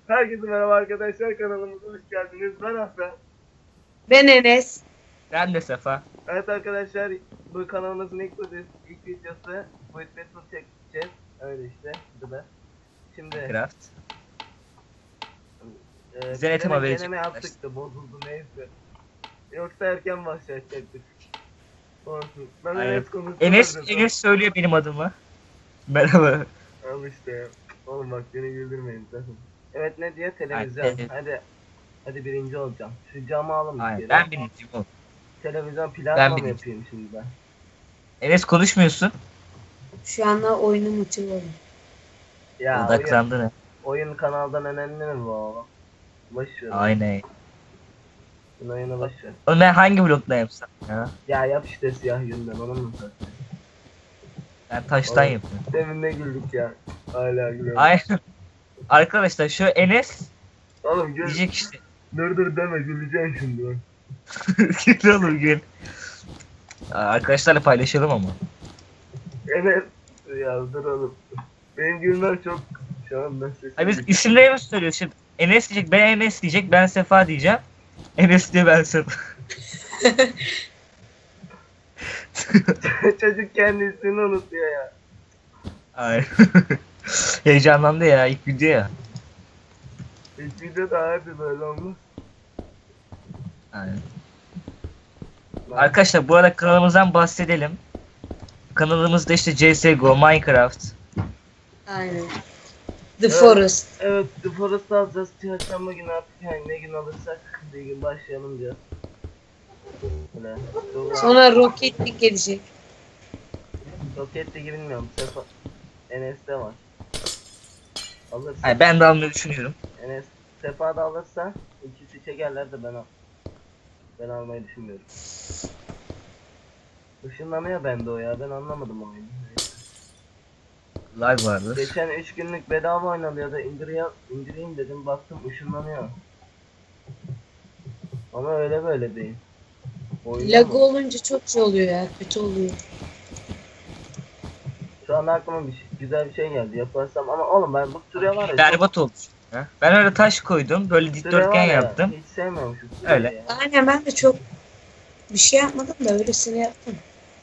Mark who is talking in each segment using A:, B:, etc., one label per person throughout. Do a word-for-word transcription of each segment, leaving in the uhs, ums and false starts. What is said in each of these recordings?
A: Herkese merhaba arkadaşlar, kanalımıza hoş geldiniz. Ben Hasan.
B: Ben Enes.
C: Ben de Sefa.
A: Evet arkadaşlar, bu kanalımızın ilk, ilk videosu Void Battle çekeceğiz. Öyle işte, bu da. Şimdi
C: Minecraft.
A: e,
C: Bize ne tema verecek
A: deneme
C: arkadaşlar?
A: yaptık da bozuldu, neyse. Yoksa erken başlayacaktık. Olsun. Ben
C: Aynen.
A: Enes konuştum.
C: Enes, Enes söylüyor benim adımı. Merhaba.
A: Al işte. Oğlum bak beni güldürmeyin sakın. Evet, ne diye televizyon.
C: Aynen.
A: Hadi. Hadi birinci olacağım. Şu camı alın bir
C: Aynen.
A: kere.
C: Ben birinciyim oğlum.
A: Televizyon
C: Ben
A: plasma mı
C: birinci.
A: yapayım şimdi ben?
C: Enes konuşmuyorsun.
B: Şu anda oyunum açılıyor.
A: Ya oyun,
C: Odaklandı ne?
A: oyun kanaldan önemli mi bu oğlum? Boş ver.
C: Aynen.
A: Bunun oyunu boş ver.
C: Oğlum ben hangi blokta yapsam ya?
A: Ya yap işte siyah yünden, onun mu sen?
C: Ben taştan
A: Oğlum,
C: yapıyorum.
A: Demin ne güldük ya. Hala gülüyorum.
C: Aynen. Arkadaşlar şu Enes
A: Oğlum gül.
C: diyecek işte.
A: Dur dur deme, güleceğim şimdi.
C: Gül oğlum gül. Aa, Arkadaşlarla paylaşalım ama.
A: Enes. Ya dur oğlum. Benim gülmem çok şu an nasıl?
C: Ay biz isimlerimizi söylüyoruz şimdi. Enes diyecek, ben Enes diyecek, ben Sefa diyeceğim. Enes diye ben Sefa.
A: Çocuk kendi ismini unutuyor ya.
C: Ay. Heyecanlandı ya ilk video ya.
A: İlk videoda hadi böyle olmaz.
C: Aynen.
A: Lan,
C: Arkadaşlar bu arada kanalımızdan bahsedelim. Kanalımızda işte C S G O, Minecraft.
B: Aynen. The
A: Evet.
B: Forest.
A: Evet, The Forest'ı alacağız. Çarşamba günü artık, yani ne gün alırsak bir gün başlayalım diyor. Böyle. Sonra,
B: Sonra Rocket League gelecek.
A: Rocket League'i bilmiyorum. Sefa Enes'te var. Alırsa
C: Ay, ben de almayı düşünüyorum.
A: Enes Sefa da alırsa ikisi çekerler de ben al. Ben almayı düşünmüyorum. Işınlanıyor bende o ya. Ben anlamadım o oyunu.
C: Lag vardı.
A: Geçen üç günlük bedava oynanıyordu. İndiriyor, indireyim dedim. Baktım ışınlanıyor. Ama öyle böyle değil. Oyunda
B: Lag
A: mı?
B: olunca çok şey oluyor ya. Kötü oluyor.
A: Şu an aklıma bir şey, güzel bir şey geldi. Yaparsam ama oğlum ben bu süre var ya.
C: Berbat oldu. Ha? Ben öyle taş koydum, böyle
A: çok- süre
C: dikdörtgen
A: var ya,
C: yaptım.
A: Hiç sevmiyorum şu süreyi
C: Öyle.
A: ya.
B: Aynen, ben de çok bir şey yapmadım da öylesine yaptım.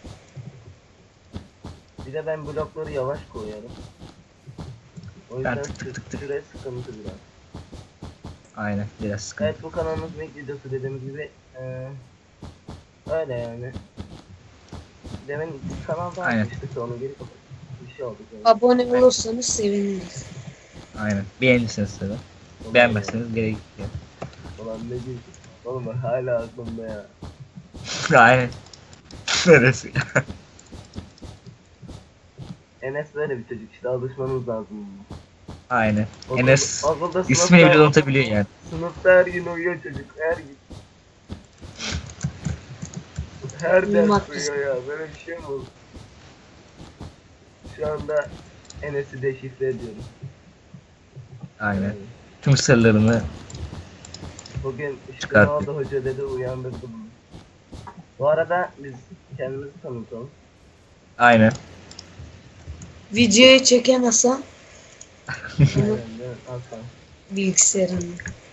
A: Bir de ben blokları yavaş koyuyorum. O yüzden
C: Ben tık tık
A: sü-
C: tık tık.
A: süre sıkıntı biraz.
C: Aynen, biraz sıkıntı.
A: Evet, bu kanalımızın ilk videosu dediğim gibi eee öyle yani. Demin kanalda
C: Aynen.
A: atmıştık da onu geri kapattık. Bir şey oldu. Yani.
B: Abone olursanız seviniriz.
C: Aynen. Beğenirseniz tabii.
A: Ulan
C: Beğenmezseniz geri gidiyor.
A: ya, Ulan ne diyorsun? Oğlum bak hala aklımda ya.
C: Aynen. Neresi?
A: Enes böyle bir çocuk işte, alışmanız lazım. buna.
C: Aynen.
A: Okul-
C: Enes
A: okulda
C: ismini
A: sınıfta-
C: bile unutabiliyor yani.
A: Sınıfta her gün uyuyor çocuk, her gün. Her ders
B: Uyumak
A: uyuyor ya, böyle bir şey mi olur? Şu anda Enes'i deşifre ediyorum.
C: Aynen. Tüm sırlarını
A: Bugün işte
C: Çıkarttı.
A: ne oldu hoca dedi, uyandırdı bunu. Bu arada biz kendimizi tanıtalım.
C: aynen.
B: Videoyu çekemezsem
A: Aynen değil mi? Hasan.
B: bilgisayarımı.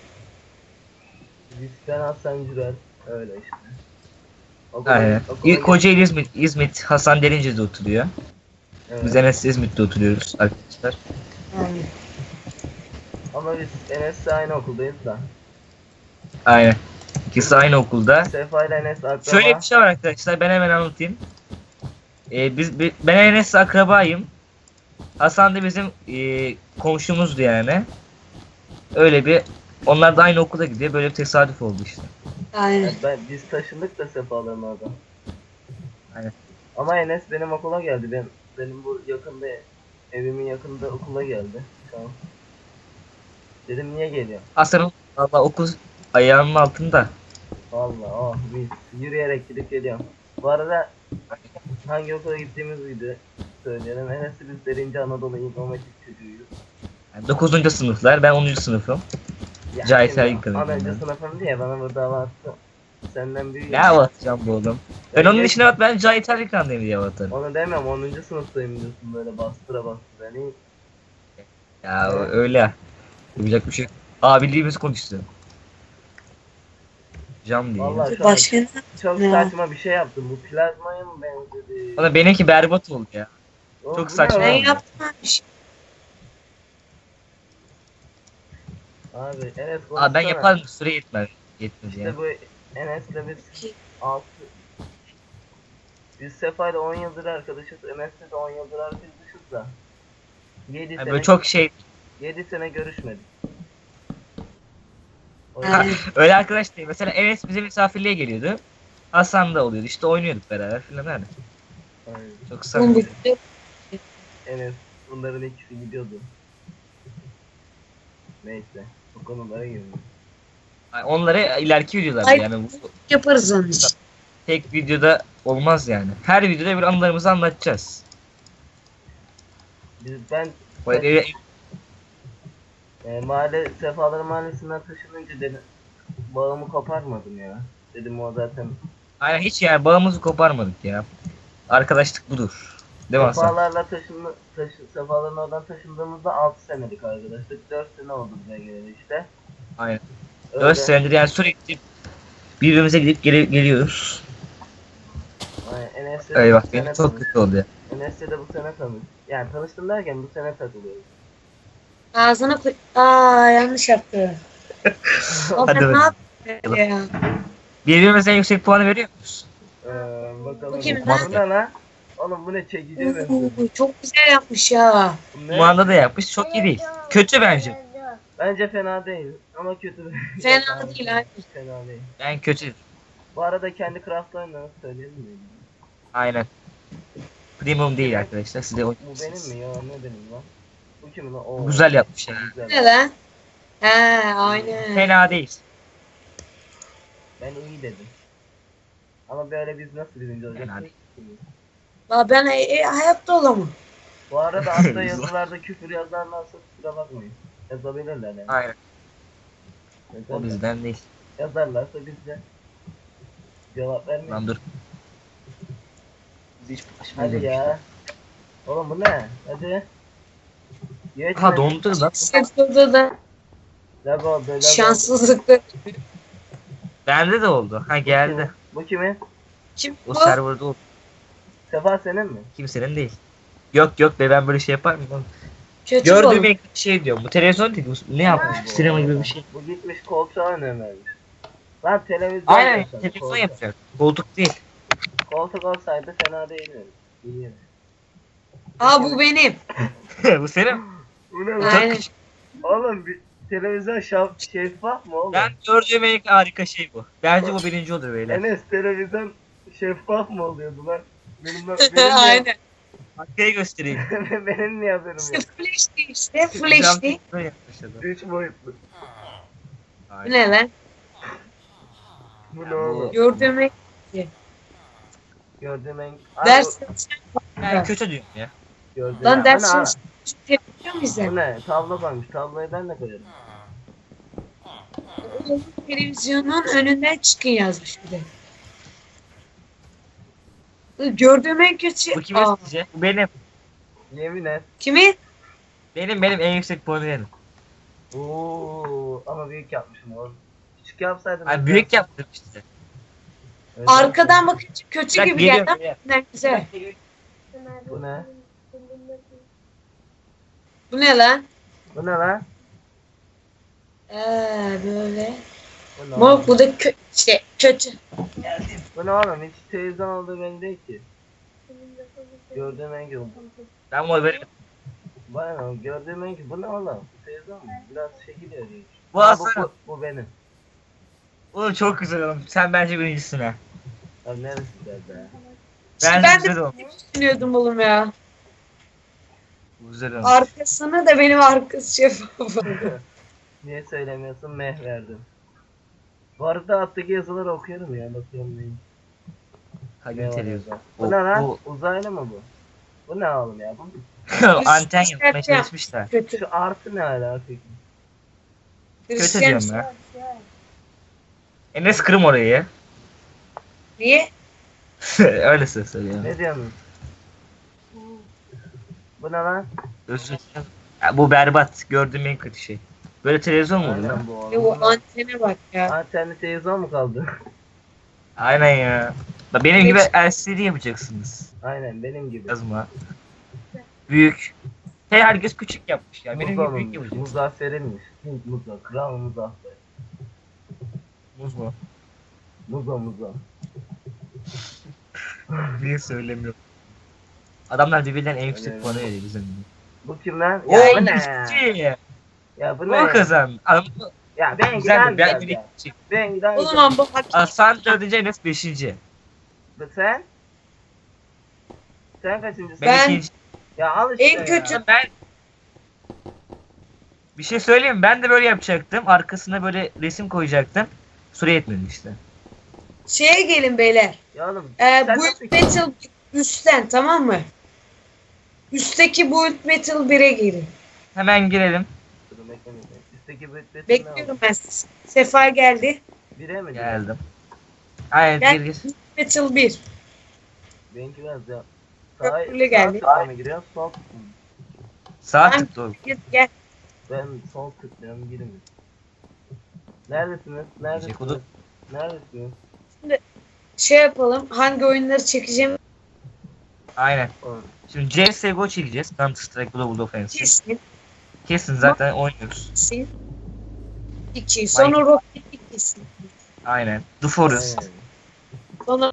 A: Biz ben Hasan Cürel. Öyle işte. Okula-
C: Aynen.
A: okula
C: İlk Kocaeli İzmit, İzmit Hasan Derince'de oturuyor.
A: Evet.
C: Biz Enes İzmit'te oturuyoruz arkadaşlar.
B: Aynen.
A: Ama biz Enes'le aynı okuldayız da.
C: Aynen. İkisi aynı okulda.
A: Sefa ile Enes akraba.
C: Şöyle bir şey var arkadaşlar, ben hemen anlatayım. Ee, biz bi- ben Enes'le akrabayım. Hasan da bizim e, komşumuzdu yani. Öyle bir, onlar da aynı okula gidiyor. Böyle bir tesadüf oldu işte.
B: Aynen.
A: Yani ben, biz taşındık da Sefa'ların oradan.
C: Aynen.
A: Ama Enes benim okula geldi. Ben benim bu yakında, evimin yakında okula geldi. Tamam. Dedim niye geliyor?
C: Hasan'ın valla okul ayağının altında.
A: Vallahi oh biz yürüyerek gidip geliyorum. Bu arada hangi okula gittiğimiz video söyleyelim. Enes'i biz Derince Anadolu İmam Hatip çocuğuyuz.
C: Yani dokuzuncu sınıflar, ben onuncu sınıfım.
A: Ya
C: Cahit
A: şimdi
C: Ergin kanalında.
A: Anadolu sınıfım diye bana burada hava attı. Senden büyüğüm.
C: Ne anlatacağım bu oğlum? Ben onun
A: Geç-
C: için evet, ben Cahit Erkan'dayım diye atarım.
A: Onu demem, onuncu sınıftayım diyorsun böyle bastıra bastıra. Hani
C: Ya öyle. Yapacak bir şey yok. Abiliğimiz konuştu. Cam değil.
A: Vallahi şu an
B: Başka ne?
A: çok
B: Ya.
A: saçma bir şey yaptım. Bu plazmaya mı benzedi?
C: Bana benimki berbat oldu ya.
A: Oğlum,
C: çok
A: bu ne
C: saçma.
B: Ben
A: lan?
B: yaptım abi bir şey.
A: Abi Enes
C: Aa, ben
A: konuşsana.
C: yaparım süre yetmez. Yetmez ya.
A: İşte bu Enes'le biz altı biz Sefa'yla on yıldır arkadaşız. Enes'le de on yıldır arkadaşız da. yedi
C: Yani
A: sene
C: böyle çok şey.
A: yedi sene görüşmedik. O
B: Ha.
A: yüzden
C: Öyle arkadaş değil. Mesela Enes bize misafirliğe geliyordu. Hasan da oluyordu. İşte oynuyorduk beraber filan öyle.
A: Aynen.
C: Çok
B: Oğlum
C: samimi.
B: bu
A: Enes bunların ikisi gidiyordu. Neyse. Bu konulara girmiyorum.
C: Yani onları ileriki videolarda
B: Ay.
C: yani bu
B: yaparız onun için.
C: tek videoda olmaz yani. Her videoda bir anılarımızı anlatacağız.
A: Biz ben
C: Böyle
A: e, mahalle Sefalar Mahallesi'nden taşınınca dedim bağımı koparmadım ya. Dedim o zaten
C: aynen hiç yani bağımızı koparmadık ya. Arkadaşlık budur. Değil mi Hasan?
A: Sefalarla taşındı, taşı, Sefaların oradan taşındığımızda altı senelik arkadaşlık. dört sene oldu bize geleli işte.
C: Aynen.
A: Öyle.
C: dört senedir yani sürekli birbirimize gidip gele- geliyoruz.
A: Aynen. Enes'le de
C: Eyvah
A: bu
C: benim
A: sene
C: çok
A: tanış-
C: kötü oldu ya.
A: Enes'le de bu sene tanış. Yani tanıştım derken bu sene takılıyoruz.
B: Ağzına koy. Aa yanlış yaptı. O
C: Hadi
B: sen ne
C: bakalım.
B: yaptın ya?
C: Birbirimize en yüksek puanı veriyor muyuz?
A: Ee, bakalım.
B: Bu kim
A: Bu
B: lan?
A: ne lan? Oğlum bu ne çekici benziyor.
B: Oo, çok güzel yapmış ya.
A: Bu ne?
C: Bu anda da yapmış. Çok iyi değil. Kötü bence.
A: Bence fena değil ama kötü.
B: Fena değil abi.
A: Fena değil.
C: Ben kötü.
A: Bu arada kendi craft oyunu söyleyelim mi?
C: Aynen. Premium değil arkadaşlar. Size
A: Bu
C: oynayacaksınız.
A: benim mi ya? Ne benim lan? Bu kimin lan? Oo.
C: Güzel yapmış ya.
A: Güzel.
B: Ne lan? He aynen.
C: Fena değil.
A: Ben iyi dedim. Ama böyle biz nasıl birinci olacağız?
C: Fena
B: La ben e, e, hayatta olamam.
A: Bu arada altta yazılarda küfür yazarlarsa kusura bakmayın. Yazabilirler yani.
C: Aynen. O
A: Yazarlar.
C: bizden değil.
A: Yazarlarsa biz de cevap vermeyiz.
C: Lan dur. Biz hiç bulaşmayız
A: Hadi
C: demişler.
A: ya. Oğlum bu ne? Hadi. Geçme.
C: Ha dondu lan.
B: Sırtında da
A: Lag oldu, lag oldu.
B: şanssızlıkla.
C: Bende de oldu. Ha
A: Bu
C: geldi.
A: kimin? Bu kimin?
B: Kim
C: O
B: bu?
C: serverda oldu.
A: Sefa senin mi?
C: Kimsenin değil. Yok yok be ben böyle şey yapar mıyım? oğlum?
B: Kötü
C: Gördüğüm
B: bu.
C: ilk şey diyorum. Bu televizyon değil. Bu ne yapmış?
A: Bu-
C: Sinema gibi bir şey.
A: Bu gitmiş koltuğa önem vermiş. Lan televizyon
C: Aynen
A: yapsana,
C: televizyon
A: koltuk.
C: yapacak. Koltuk değil.
A: Koltuk olsaydı fena değil mi? İyi.
B: Aa bu benim.
C: Bu senin.
A: Bu ne
C: Çok
A: lan?
B: Aynen.
C: küçük.
A: Oğlum bir televizyon şaf, şeffaf mı oğlum?
C: Ben gördüğüm en harika şey bu. Bence bu birinci olur beyler.
A: Enes televizyon şeffaf mı oluyordu lan? Benim, benim, niye,
B: Aynen.
C: Arkaya göstereyim.
A: benim niye haberim
B: İşte
A: yok?
B: flash değil işte flash değil.
C: Böyle yapmış adam.
A: Üç boyutlu.
B: Bu
C: Aynen.
B: ne lan?
A: Bu
C: Ya
A: ne
C: bu-
A: oğlum?
B: Gördüğüm
A: Gördüğüm en... Aa,
B: ders
C: Ben kötü diyorum ya.
A: bu- Gördüğüm
B: lan
A: Bu ne
B: ders
A: lan?
B: yapıyor muyuz
A: Bu
B: lan?
A: ne? Tablo koymuş. Tabloyu ben de koyarım.
B: Televizyonun önünden çıkın yazmış bir de. Gördüğüm en kötü.
C: Bu kimin
B: Aa,
C: sizce? Bu benim.
A: Yemin et.
B: kimi?
C: Benim benim en yüksek puanı benim.
A: Oo, ama büyük yapmışım oğlum. Küçük yapsaydın.
C: Ay büyük yaptım işte.
A: Evet,
B: Arkadan bakınca kötü
C: Bak,
B: gibi
C: geliyorum,
B: geldi ama
C: geliyorum.
B: ne güzel.
A: Bu ne?
B: Bu ne lan?
A: Bu ne lan?
B: Ee, böyle.
A: Bu ne
B: Mor
A: oğlum?
B: bu da kö işte kötü.
A: Bu ne oğlum? Hiç televizyon olduğu belli değil ki. Gördüğüm en kötü.
C: Ben bu böyle.
A: Bana ne? Gördüğüm en kötü. Bu ne oğlum? Televizyon mu? Biraz şekil yarıyor.
C: Bu
A: Aa, bu,
C: Hasan.
A: bu, bu benim.
C: Oğlum çok güzel oğlum. Sen bence birincisin ha.
A: Abi neresi güzel be?
C: Bence
B: ben de
C: güzel oğlum.
B: düşünüyordum oğlum ya.
C: Güzel oğlum.
B: Arkasını da benim arkası şeffaf.
A: Niye söylemiyorsun? Meh verdim. Bu arada alttaki yazıları okuyorum ya. Bakıyorum neyim.
C: Hadi
A: Ne var
C: televizyon.
A: orada?
C: Bu,
A: Bu ne lan?
C: bu
A: Uzaylı mı bu? Bu ne oğlum ya? Bu,
C: anten
B: Üst-
C: yapmaya
B: üst-
C: çalışmışlar.
B: Kötü.
A: şu artı ne alaka peki?
C: Kötü
B: Hristiyan
C: diyorum ya. Enes kırım orayı.
B: Niye?
C: Öyle söylüyorum.
A: Ne diyorsun? Bu ne lan?
C: Özür dilerim. Ya, bu berbat. Gördüğüm en kötü şey. Böyle televizyon mu olur ya?
A: Aynen bu
B: Ve o
A: arada.
B: antene bak ya.
A: Antenli televizyon mu kaldı?
C: Aynen ya. Bak benim gibi L C D yapacaksınız.
A: Aynen benim gibi.
C: Yazma. Büyük. Hey herkes küçük yapmış ya. Benim gibi büyük
A: Muzaffer'inmiş.
C: yapacak.
A: Muzaffer'inmiş. Hint Muza. Kral Muzaffer.
C: Muz mu?
A: Muza Muza.
C: Niye söylemiyorum? Adamlar birbirinden en yüksek
A: Öyle.
C: puanı veriyor bizim gibi.
A: Bu kim lan?
C: Oo
A: Ya bu ne?
C: yüksek.
A: Ya bu
C: Bu
A: ne?
C: kazan. Adam
A: Ya ben
C: güzel
A: giden
C: mi? Ben
A: ben,
C: bir
A: ya.
C: yüksek.
A: Ben giden
B: O zaman bu hak
C: Hasan dördüncü Enes beşinci.
A: Sen? Sen kaçıncısın?
C: Ben,
B: Ben-
C: ikinci.
A: Ya al işte
B: En
A: ya.
B: kötü-
C: Ben bir şey söyleyeyim mi? Ben de böyle yapacaktım. Arkasına böyle resim koyacaktım. Süre yetmedi işte.
B: şeye gelin beyler.
A: Ya oğlum.
B: Ee,
A: sen
B: Build
A: nasıl-
B: Battle üstten, tamam mı? Üstteki Build Battle bire girin.
C: Hemen girelim.
A: Dur, bekle, bekle. Üstteki beklesin ne
B: Bekliyorum
A: oldu?
B: ben sizi. Sefa geldi.
A: Bire mi?
C: Geldim. Aynen
B: Gel.
C: gir gir.
B: Battle bir.
A: Benimki biraz ya.
B: Köprülü geldi.
A: Sağ tıkla mı giriyor? Sol tıkla mı?
C: Sağ
B: Ben-
C: tık doğru.
B: Gel, gel.
A: Ben sol tıklıyorum girmiyor. Neredesiniz? Neredesiniz?
C: Kodu.
A: Neredesiniz?
B: Şey yapalım. Hangi oyunları çekeceğim
C: Aynen.
A: Oğlum,
C: Şimdi C S G O çekeceğiz. Counter Strike Global Offensive.
B: kesin.
C: Kesin zaten oynuyoruz.
B: Kesin. İki. Sonra Rocket League kesin.
C: Aynen. The Forest.
A: aynen.
B: Sonra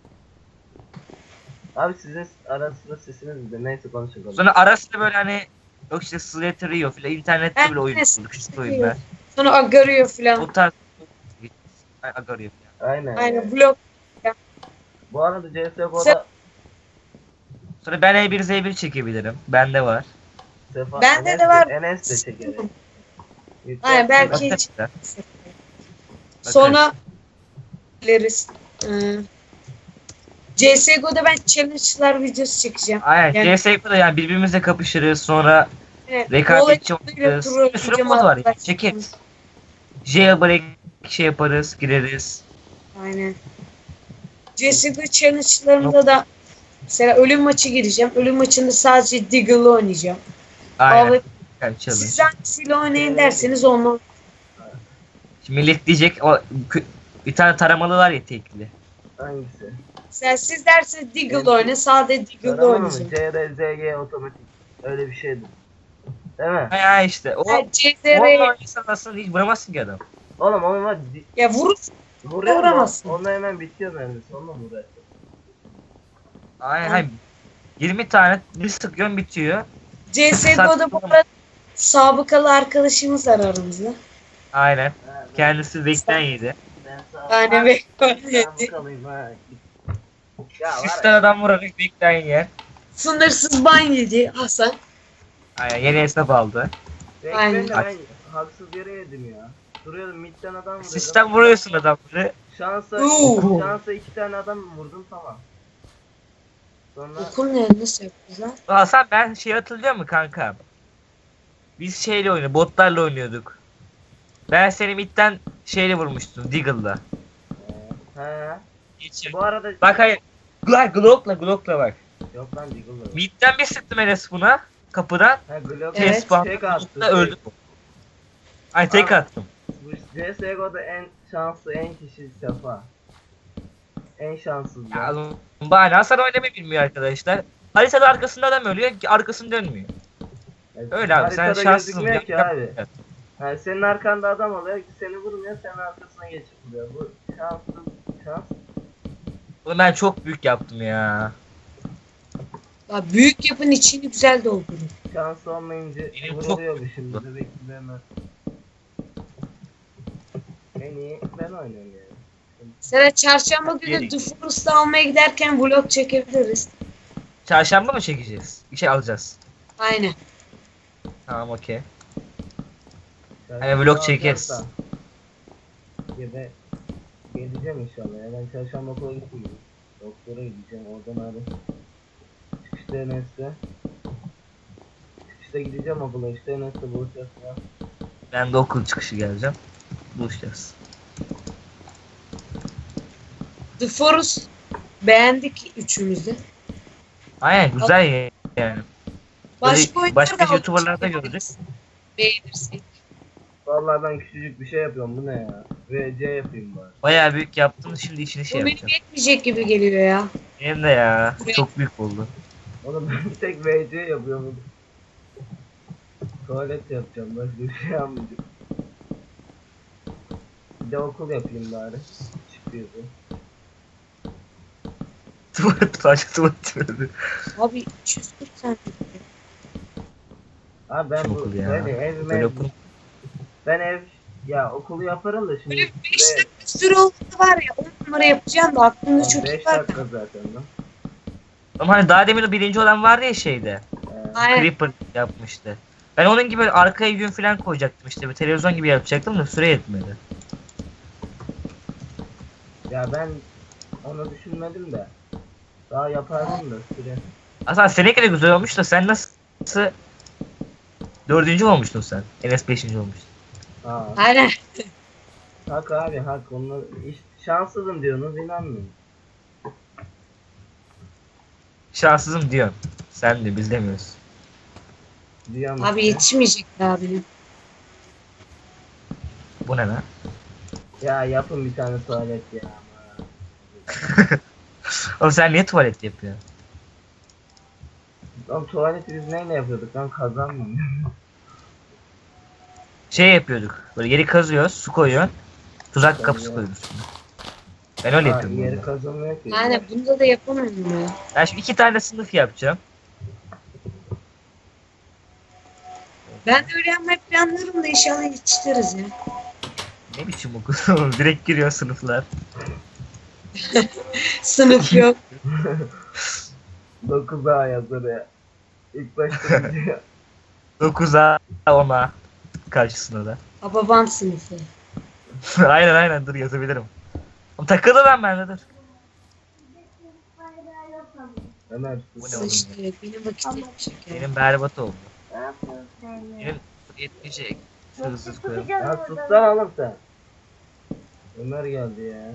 A: Abi sizin ara sıra sesiniz de neyse konuşalım.
C: Sonra arasında böyle hani yok işte Slater Rio filan internette
B: Ben
C: bile oyun
B: de
C: bulduk işte oyunlar.
B: sonra Agario falan.
C: O tarz Ay, Agario falan.
A: Aynen.
B: Aynen blok.
A: Bu arada C S G
B: Sen-
A: O'da
C: Sonra ben E bir Z bir çekebilirim. Bende var.
A: Sefa
B: Bende
A: Enes
B: de var.
A: Enes de çeker.
B: Aynen belki
C: Bakarız
B: hiç.
C: da.
B: Sonra biliriz. Ee, C S G O'da ben challenge'lar videosu çekeceğim.
C: Aynen.
B: Yani-
C: C S G O'da yani birbirimizle kapışırız. Sonra
B: Evet,
C: rekabetçi
B: Voleybol
C: oynarız.
B: troll
C: Bir sürü
B: video
C: mod var ya.
B: arkadaşlar.
C: Çekeriz. Jailbreak şey yaparız. Gireriz.
B: Aynen. C S G O challenge'larında da mesela ölüm maçı gireceğim. Ölüm maçında sadece Deagle'ı oynayacağım.
C: Aynen.
B: Abi,
C: Yani challenge.
B: siz hangisiyle oynayın derseniz onunla.
C: Şimdi millet diyecek o kü- bir tane taramalı var ya tekli.
A: Hangisi?
B: Mesela siz derseniz Deagle
A: Benim-
B: oyna, sadece Deagle'da
A: Tarama mı?
B: oynayacağım.
A: C R Z G otomatik. Öyle bir şeydi. Değil mi?
C: Ha ya işte. O
B: Yani C Z
C: Onunla
B: R
C: oynasan aslında hiç vuramazsın ki adam.
A: Oğlum onun var. di-
B: ya vurur.
A: Vuruyor mu?
B: Vuramazsın.
A: Onunla hemen bitiyor mermisi. Onunla mı uğraşıyor?
C: Aynen.
B: Hı.
C: Hayır. yirmi tane bir sıkıyorsun bitiyor.
B: C S G O'da bu arada sabıkalı arkadaşımız var aramızda.
C: Aynen.
A: Ha, ben-
C: Kendisi bekten yedi.
A: Ben sağ
B: Yani ve
A: Ben bu kalayım ha. Ya var
C: Üç
A: ya.
C: tane adam vurarak bekten yer.
B: sınırsız ban yedi Hasan.
C: Aynen yeni hesap aldı.
A: Ben,
B: Aynen.
A: ben de ben haksız yere yedim ya. Duruyordum midden adam vuruyordum.
C: Sistem vuruyorsun adamları.
A: Şansa,
B: Oo.
A: şansa iki tane adam vurdum tamam. Sonra
B: Okul ne? Nasıl yapacağız lan?
C: Hasan ben şey hatırlıyor mu kanka? Biz şeyle oynuyorduk, botlarla oynuyorduk. Ben seni midden şeyle vurmuştum, Deagle'la.
A: he.
C: Geçir.
A: Bu arada
C: Bak hayır. Glock, Glock'la, Glock'la bak.
A: yok lan Deagle'da.
C: Midden bir sıktım Enes buna. Kapıdan.
A: Ha Glock
B: Evet.
C: Test puan.
A: tek attı.
C: Glock'la öldü. Ay tek
A: Aa.
C: attım.
A: Bu C S G O'da en şanslı en kişi Sefa. En şanssız
C: Ya
A: ya.
C: oğlum, bahane Hasan oynamayı bilmiyor arkadaşlar. Haritada arkasında adam ölüyor, arkasını dönmüyor.
A: Yani
C: Öyle abi sen
A: haritada
C: şanslısın.
A: gözükmüyor ki
C: Yap-
A: abi.
C: yap.
A: Yani senin arkanda adam oluyor, seni vurmuyor, senin arkasına geçip vuruyor. Bu şanssız şans.
C: Oğlum ben çok büyük yaptım ya.
B: Ya büyük yapın içini güzel doldurun.
A: Şans olmayınca
C: Benim çok-
A: vuruluyor bu şimdi. Bebek gibi hemen. En iyi ben oynuyorum yani.
B: Mesela çarşamba günü
C: Yeni.
B: The Forest'ı almaya giderken vlog çekebiliriz.
C: Çarşamba mı çekeceğiz? Bir şey alacağız.
B: Aynen.
C: Tamam okey.
A: Çarşamba
C: Hani vlog
A: alacağız
C: çekeriz.
A: da. Ya ben geleceğim inşallah ya. Ben çarşamba okula gitmeyeceğim. Doktora gideceğim. Oradan abi. Çıkışta Enes'te. Çıkışta gideceğim okula. İşte Enes'te buluşacağız ya.
C: Ben de okul çıkışı geleceğim. Buluşacağız.
B: The Forest beğendik üçümüz de.
C: Aynen güzel ya- yani.
B: Başka
C: Böyle
B: oyunlar
C: başka
B: da
C: YouTuber'larda
B: aldık.
C: gördük.
B: Beğenirsek.
A: Vallahi ben küçücük bir şey yapıyorum. Bu ne ya? V C yapayım bari.
C: Bayağı büyük yaptın, şimdi içini şey
B: Bu benim
C: yapacağım.
B: yetmeyecek gibi geliyor ya.
C: Benim de ya. Çok büyük oldu.
A: Oğlum ben bir tek V C yapıyorum. Tuvalet yapacağım. Başka bir şey yapmayacağım. Bir de okul yapayım bari. Çıkıyordu.
C: Tuvalet sadece tuvalet verdi.
B: Abi üç yüz kırk tane.
A: Abi ben
C: Şu
A: bu
C: okul ya.
A: böyle ev
C: Böyle
A: mev,
C: okul.
A: ben ev ya okulu yaparım da şimdi
B: Böyle beş dakika süre oldu var ya on numara yapacağım da aklımda çok iyi
A: beş
B: var.
A: dakika zaten lan.
C: Ama hani daha demin o birinci olan vardı ya şeyde.
A: Ee,
B: Aynen.
C: Creeper yapmıştı. Ben onun gibi böyle arkaya gün falan koyacaktım işte. Bir televizyon gibi yapacaktım da süre yetmedi.
A: ya ben onu düşünmedim de. Daha yapardım da süre.
C: Aslında seninki de güzel olmuş da sen nasıl dördüncü olmuştun sen. Enes beşinci olmuştu.
A: Ha,
B: Aynen.
A: hak abi hak. Onlar iş, şanssızım diyorsunuz inanmıyorum.
C: Şanssızım diyorsun. Sen de biz demiyoruz.
A: Diyorum
B: Abi
A: işte.
B: yetişmeyecek daha benim.
C: Bu ne lan?
A: Ya yapın bir tane tuvalet ya.
C: Oğlum sen niye tuvalet yapıyorsun?
A: Oğlum tuvaleti biz neyle yapıyorduk lan, kazan mı?
C: Şey yapıyorduk. Böyle yeri kazıyoruz, su koyuyorsun. Tuzak kapısı
A: Tabii.
C: koyuyoruz. Ben öyle
A: Ha,
C: yapıyorum.
A: yeri
C: burada.
A: kazanmıyor ki.
B: Aynen bunda da yapamıyorum ya.
C: Ben şimdi iki tane sınıf yapacağım.
B: Ben de öyle yapmayı planlıyorum da inşallah yetiştiririz ya.
C: Ne biçim okul? Direkt giriyor sınıflar.
B: Sınıf yok.
A: dokuz A yazar ya. İlk başta diyor.
C: dokuza ona karşısında da.
B: Babam sınıfı.
C: aynen aynen dur yazabilirim. Oğlum takıldı ben bende dur.
A: Ömer
C: Bu ne
A: sus.
C: oğlum
B: İşte benim vakit yetmeyecek ya.
C: Benim berbat oldu. Benim yetmeyecek. Hızlı hızlı koyalım.
A: Ya sus lan oğlum sen. Ömer geldi ya.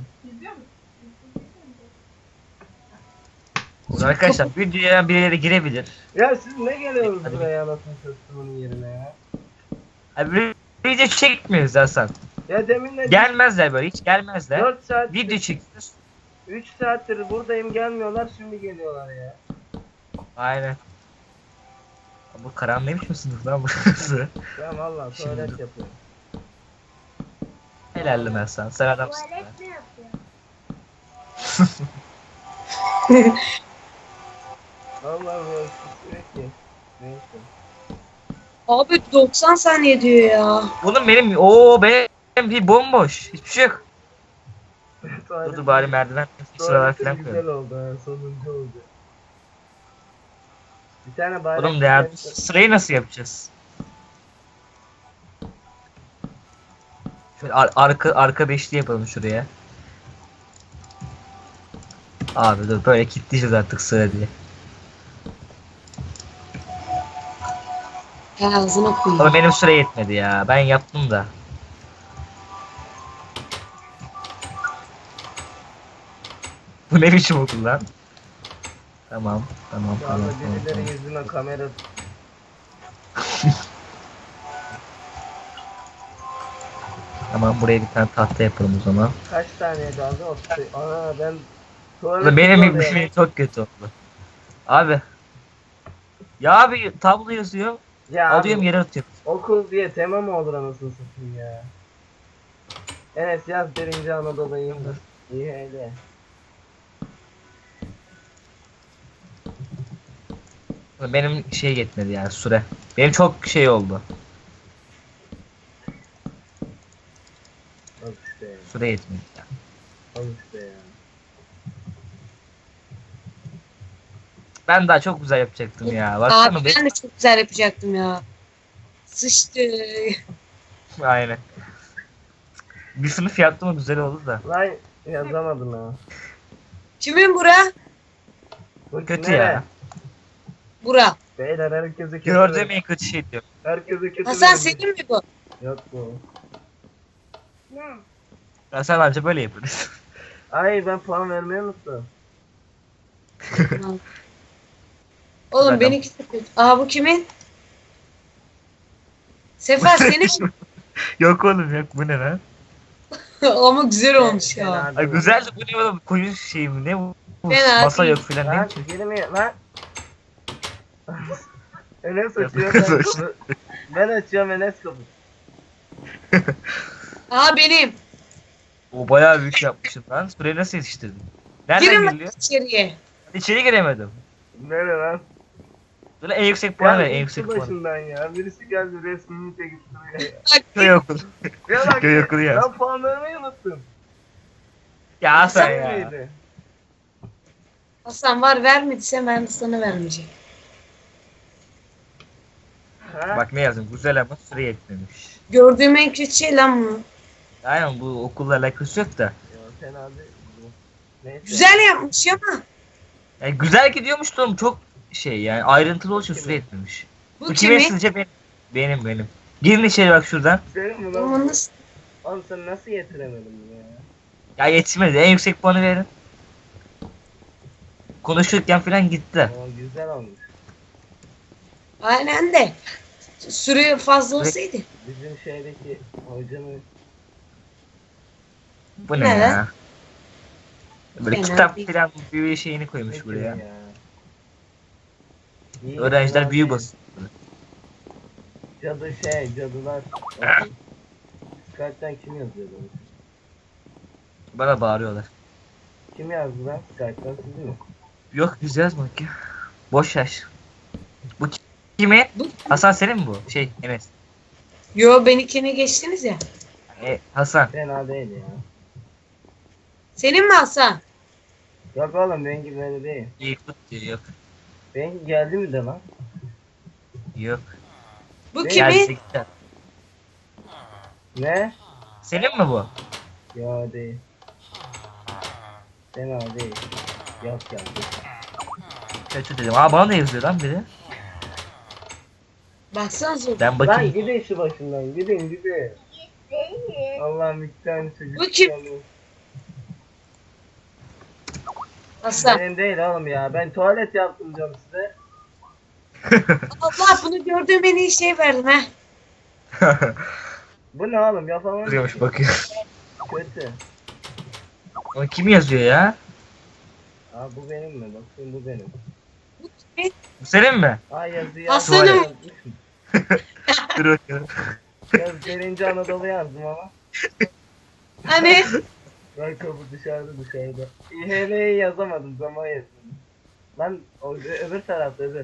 C: Arkadaşlar videoya birileri girebilir.
A: Ya siz ne geliyorsunuz
C: Hadi.
A: buraya anasını satımın yerine ya?
C: Abi video çekmiyoruz Hasan.
A: Ya deminle
C: Gelmezler böyle hiç gelmezler.
A: dört saat
C: Video çekiyoruz.
A: üç saattir buradayım, gelmiyorlar, şimdi geliyorlar ya.
C: Aynen. Bu karanlıymış mı sınıf lan burası?
A: Ya vallahi
C: Şimdi
A: tuvalet
C: dur.
A: yapıyorum.
C: Helalli Hasan. Sen adamsın. be.
D: Tuvalet mi yapıyor?
A: Vallahi bu sürekli. Neyse.
B: Abi doksan saniye diyor ya.
C: Oğlum benim o benim bir bomboş. Hiçbir şey yok. Dur
A: Tuvalet-
C: dur bari merdiven sıralar
A: tuvaletim
C: falan
A: güzel
C: koyalım.
A: oldu ha, sonuncu oldu. Bir tane bari.
C: Oğlum ya sırayı nasıl yapacağız? Şöyle ar- arka arka beşli yapalım şuraya. Abi dur böyle kilitleyeceğiz artık sıra diye.
B: Ya ağzına koyayım.
C: Ama benim süre yetmedi ya. Ben yaptım da. Bu ne biçim okul lan? Tamam, tamam,
A: Şu
C: tamam.
A: anda
C: tamam,
A: birileri
C: tamam.
A: yüzüme kamera.
C: Tamam buraya bir tane tahta yapalım o zaman.
A: Kaç saniye kaldı? Otuz. Ana ben tuvalet
C: Ulan benim
A: oluyor.
C: benim çok kötü oldu. Abi. Ya abi tablo yazıyor.
A: Ya
C: Alıyorum
A: abi,
C: yere atıyorum.
A: okul diye tema mı olur anasını satayım ya. Evet yaz birinci Anadolu'yum. İyi öyle.
C: Benim şey yetmedi yani süre. Benim çok şey oldu.
A: Al işte ya.
C: Süre yetmedi. Yani.
A: Al işte ya.
C: Ben daha çok güzel yapacaktım ya.
B: Abi
C: Baksana be.
B: ben de çok güzel yapacaktım ya. Sıçtı.
C: Aynen. Bir sınıf yaptım o güzel oldu da.
A: Lan yazamadım ha.
B: Kimin bura?
A: Bu
C: Kötü
A: nere?
C: ya.
B: Bura.
A: Beyler herkese kötü.
C: Gördüğüm en kötü şey diyor.
A: Herkese kötü.
B: Hasan
A: verin.
B: senin mi bu?
A: Yok bu.
D: Ne?
C: Ya sen anca böyle yaparız.
A: Ay ben puan vermeyi unuttum.
B: Oğlum
C: Zaten-
B: benimki de kötü. Aa bu kimin? Sefer senin mi?
C: Yok oğlum yok, bu ne lan?
B: Ama güzel olmuş ya.
A: Fena
C: Ay
A: değil.
C: güzel de bu ne oğlum, koyun şey mi ne bu? Bu
B: Fena
C: Masa
B: değil.
C: yok filan ne
A: Lan
C: için?
A: girmiyor lan. Enes
C: Yok,
A: açıyor
C: kız
A: ben
C: aç.
A: kapı. Ben açıyorum Enes kapı.
B: Aa benim.
C: O bayağı büyük yapmışsın lan. Burayı nasıl yetiştirdin? Nereden
B: Girin bak
C: giriliyor?
B: içeriye.
C: İçeri giremedim.
A: Nere lan?
C: Böyle en yüksek puan ver, en
A: Gel
C: yüksek
A: gitsi
C: puan.
A: başından ya. Birisi geldi resmini çekip duruyor ya.
B: Bak
C: Köy okulu.
A: Ya bak
C: Köy okulu yaz.
A: ben puan vermeyi unuttum.
C: Ya Hasan
A: Sen
C: ya.
A: miydi?
B: Hasan var vermediyse ben de sana vermeyeceğim.
A: Ha?
C: Bak ne yazdım, güzel ama süre yetmemiş.
B: Gördüğüm en kötü şey lan bu.
C: Aynen, bu okulla alakası yok da.
A: Ya fena değil. Neyse.
B: Güzel yapmış ama.
C: Yani güzel gidiyormuş da oğlum, çok şey yani ayrıntılı olduğu için süre yetmemiş.
B: Bu
C: Bu kime
B: kimin?
C: sizce? Benim. Benim benim. Girin içeri bak şuradan.
A: Senin mi lan?
B: Ama nasıl?
A: Oğlum sen nasıl yetiremedin bunu ya?
C: Ya yetişmedi, en yüksek puanı verin. Konuşurken falan gitti.
A: O güzel olmuş.
B: Aynen de. Süre fazla olsaydı.
A: Bizim şeydeki hocanın
C: Bu ne
B: Evet.
C: ya? Böyle
B: Fena
C: kitap
B: değil.
C: falan bir şeyini koymuş
A: ne
C: buraya.
A: gibi ya? İyi,
C: Öğrenciler
A: fena
C: büyü
A: değil.
C: basıyor.
A: Cadı şey, cadılar. Skype'den kim yazıyordu?
C: Bana bağırıyorlar.
A: Kim yazdı lan? Skype'den siz mi?
C: Yok, biz yazmadık ya. Boş yaş. Bu ki- kimin?
B: Bu
C: Hasan senin mi bu? Şey Enes.
B: Yo benimkine geçtiniz ya.
C: E, Hasan.
A: Fena değil ya.
B: Senin mi Hasan?
A: Yok oğlum benimki böyle değil.
C: İyi tut diyor. Yok.
A: Benimki geldi mi de lan?
C: Yok.
B: Bu
A: Ne?
B: kimin?
C: Gelse gider.
A: Ne?
C: Senin mi bu?
A: Ya değil. Fena değil. Yok geldi.
C: Kötü dedim. Aa, bana da yazıyor lan biri.
B: Baksanıza.
C: Ben
A: Lan
C: bakayım.
A: gidin şu başından gidin gidin. Allah'ım iki tane çocuk.
B: Bu kim?
A: geldi.
B: Hasan.
A: Benim değil oğlum ya. Ben tuvalet yaptım diyorum size.
B: Allah bunu gördüğüm en iyi şey verdim ha.
A: Bu ne oğlum yapamam.
C: Duruyormuş, bakıyor.
A: Kötü.
C: Ama kim yazıyor ya?
A: Aa bu benim mi? Bakayım bu benim.
B: Bu kimin?
C: Bu senin mi?
A: Aa yazı
B: Aslanım.
A: yazdım.
C: Dur bakıyorum.
A: Yaz birinci Anadolu yazdım ama.
B: Hani?
A: Ben kapı dışarıda dışarıda. İHL'yi yazamadım zaman yetmedi. Lan o öbür tarafta öbür.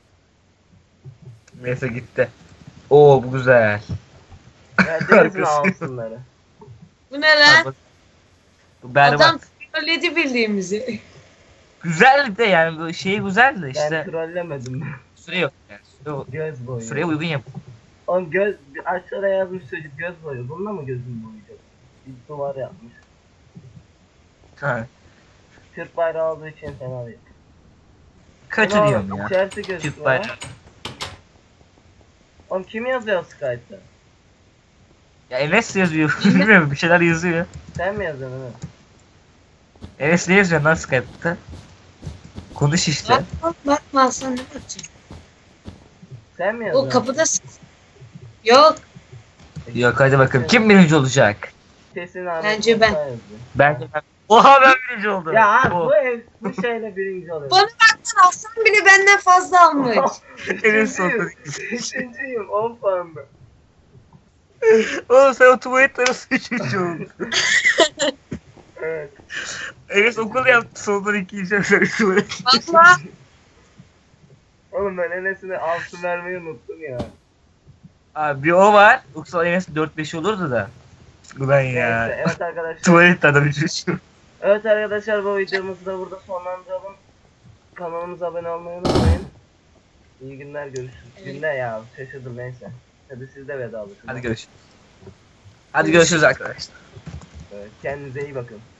C: Neyse gitti. Oo, bu güzel.
A: Ya deniz mi
C: Arkası.
A: alsınları?
B: Bu ne lan?
C: Bu berbat.
B: Adam trolledi bildiğimizi.
C: Güzel de yani, bu şey güzel de
A: Ben
C: işte
A: trollemedim.
C: süre yok yani. Süre,
A: Göz boyu.
C: süreye uygun yap.
A: Oğlum göz aşağıya yazmış çocuk göz boyu. Bununla mı gözünü boyayacak? Bir duvar yapmış.
C: Ha.
A: Türk bayrağı olduğu için fena değil.
C: Kötü
A: Ulan
C: diyorum ya.
A: İçerisi gözüküyor.
C: Türk bayrağı.
A: Oğlum kim yazıyor Skype'da?
C: Ya Enes yazıyor. Bilmiyorum, bir şeyler yazıyor.
A: Sen mi yazıyorsun Ömer?
C: Enes ne yazıyor lan Skype'ta? Konuş işte.
B: Bakma bakma Hasan ne yapacaksın?
A: Sen mi
B: O
A: yazıyorsun?
B: kapıda yok.
C: Yok, hadi bakalım. Kim birinci olacak?
A: Kesin Ahmet
B: Bence
A: Musa
B: ben.
A: yazıyor.
C: Bence ben. Oha, ben birinci oldum.
A: Ya abi,
C: O.
A: bu ev bu şeyle birinci oluyor.
B: Bana baksana Hasan bile benden fazla almış.
C: Enes oldu.
A: Üçüncüyüm. Üçüncüyüm. on puanla.
C: Oğlum sen o tuvalet arası üçüncü oldun.
A: Evet.
C: Enes okul yaptı, sondan ikinci sen tuvalet.
B: Bakma.
A: Oğlum ben Enes'ine altı vermeyi unuttum ya.
C: Abi bir o var. Yoksa Enes dört beş olurdu da. Ulan
A: Neyse,
C: ya.
A: evet arkadaşlar.
C: Tuvalet adam üçüncü.
A: Evet arkadaşlar bu videomuzu da burada sonlandıralım. Kanalımıza abone olmayı unutmayın. İyi günler, görüşürüz.
B: Evet.
A: Günler ya, şaşırdım neyse. Hadi siz de vedalaşın.
C: Hadi görüşürüz. Hadi görüşürüz arkadaşlar.
A: Evet, kendinize iyi bakın.